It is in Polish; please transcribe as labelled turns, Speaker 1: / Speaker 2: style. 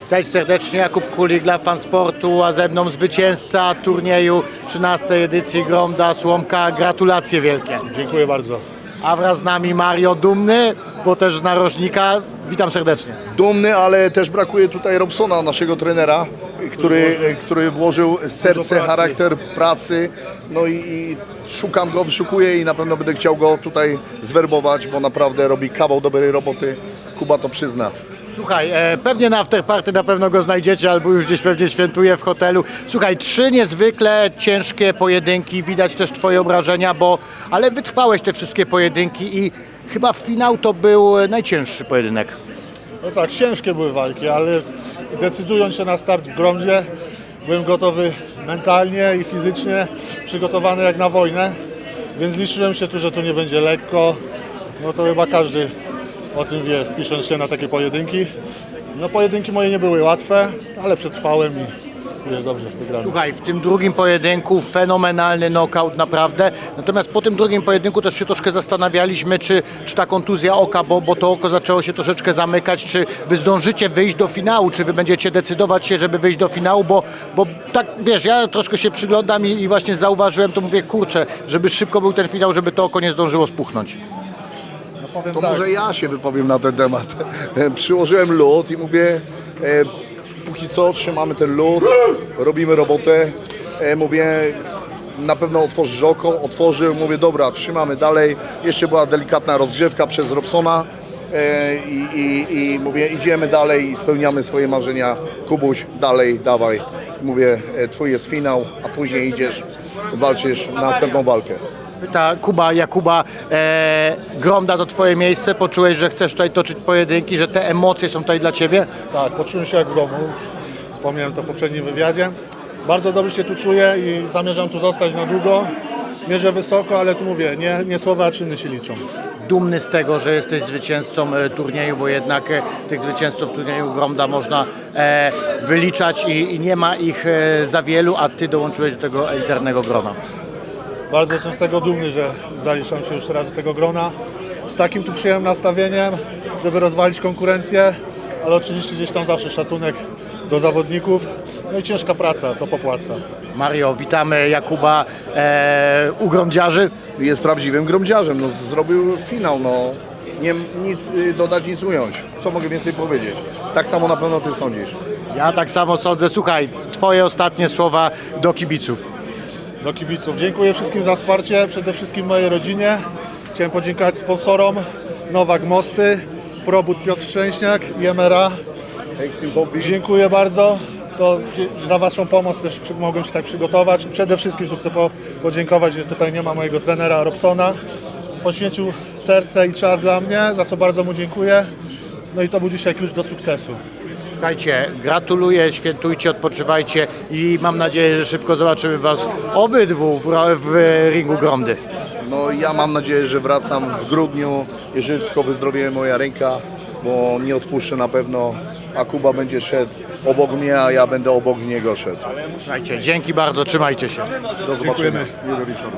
Speaker 1: Witaj serdecznie, Jakub Kulik dla Fansportu, a ze mną zwycięzca turnieju 13. edycji Gromda Słomka. Gratulacje wielkie.
Speaker 2: Dziękuję bardzo.
Speaker 1: A wraz z nami Mario Dumny, bo też z narożnika. Witam serdecznie.
Speaker 3: Dumny, ale też brakuje tutaj Robsona, naszego trenera, który włożył serce, charakter pracy. No i szukam go, wyszukuję i na pewno będę chciał go tutaj zwerbować, bo naprawdę robi kawał dobrej roboty. Kuba to przyzna.
Speaker 1: Słuchaj, pewnie na afterparty na pewno go znajdziecie, albo już gdzieś pewnie świętuje w hotelu. Słuchaj, 3 niezwykle ciężkie pojedynki, widać też twoje obrażenia, ale wytrwałeś te wszystkie pojedynki i chyba finał to był najcięższy pojedynek.
Speaker 2: No tak, ciężkie były walki, ale decydując się na start w Gromdzie, byłem gotowy mentalnie i fizycznie, przygotowany jak na wojnę, więc liczyłem się tu, że tu nie będzie lekko. No to chyba każdy o tym wie, pisząc się na takie pojedynki. No pojedynki moje nie były łatwe, ale przetrwałem i jest dobrze, wygrałem.
Speaker 1: Słuchaj, w tym drugim pojedynku fenomenalny knockout naprawdę, natomiast po tym drugim pojedynku też się troszkę zastanawialiśmy, czy ta kontuzja oka, bo to oko zaczęło się troszeczkę zamykać, czy wy zdążycie wyjść do finału, czy wy będziecie decydować się, żeby wyjść do finału, bo tak, wiesz, ja troszkę się przyglądam i właśnie zauważyłem, to mówię, kurczę, żeby szybko był ten finał, żeby to oko nie zdążyło spuchnąć.
Speaker 2: Powiem
Speaker 3: To
Speaker 2: tak,
Speaker 3: może ja się wypowiem na ten temat. Przyłożyłem lód i mówię, póki co trzymamy ten lód, robimy robotę. Mówię, na pewno otworzysz oko, otworzył, mówię, dobra, trzymamy dalej. Jeszcze była delikatna rozgrzewka przez Robsona i mówię, idziemy dalej i spełniamy swoje marzenia. Kubuś, dalej, dawaj. Mówię, twój jest finał, a później idziesz, walczysz na następną walkę.
Speaker 1: Pyta Jakuba, Gromda to twoje miejsce, poczułeś, że chcesz tutaj toczyć pojedynki, że te emocje są tutaj dla ciebie?
Speaker 2: tak, poczułem się jak w domu, już wspomniałem to w poprzednim wywiadzie. Bardzo dobrze się tu czuję i zamierzam tu zostać na długo. Mierzę wysoko, ale tu mówię, nie słowa, a czyny się liczą.
Speaker 1: Dumny z tego, że jesteś zwycięzcą turnieju, bo jednak tych zwycięzców turnieju Gromda można wyliczać i nie ma ich za wielu, a ty dołączyłeś do tego elitarnego grona.
Speaker 2: Bardzo jestem z tego dumny, że zaliczam się już teraz do tego grona. Z takim tu przyjemnym nastawieniem, żeby rozwalić konkurencję, ale oczywiście gdzieś tam zawsze szacunek do zawodników. No i ciężka praca, to popłaca.
Speaker 1: Mario, witamy Jakuba u gromdziarzy.
Speaker 3: Jest prawdziwym gromdziarzem, no, zrobił finał, no. Nie nic dodać, nic ująć. Co mogę więcej powiedzieć? Tak samo na pewno ty sądzisz.
Speaker 1: Ja tak samo sądzę. Słuchaj, twoje ostatnie słowa do kibiców.
Speaker 2: Do kibiców. Dziękuję wszystkim za wsparcie, przede wszystkim mojej rodzinie. Chciałem podziękować sponsorom Nowak Mosty, Probud Piotr Szczęśniak i MRA.
Speaker 3: Extreme Hobby.
Speaker 2: Dziękuję bardzo. To za waszą pomoc też mogłem się tak przygotować. Przede wszystkim tu chcę podziękować, że tutaj nie ma mojego trenera Robsona. Poświęcił serce i czas dla mnie, za co bardzo mu dziękuję. No i to był dzisiaj klucz do sukcesu.
Speaker 1: Słuchajcie, gratuluję, świętujcie, odpoczywajcie i mam nadzieję, że szybko zobaczymy was obydwu w ringu Gromdy.
Speaker 3: No ja mam nadzieję, że wracam w grudniu, jeżeli tylko wyzdrowieje moja ręka, bo nie odpuszczę na pewno, a Kuba będzie szedł obok mnie, a ja będę obok niego szedł.
Speaker 1: Słuchajcie, dzięki bardzo, trzymajcie się.
Speaker 3: Do zobaczenia. Miłego wieczoru.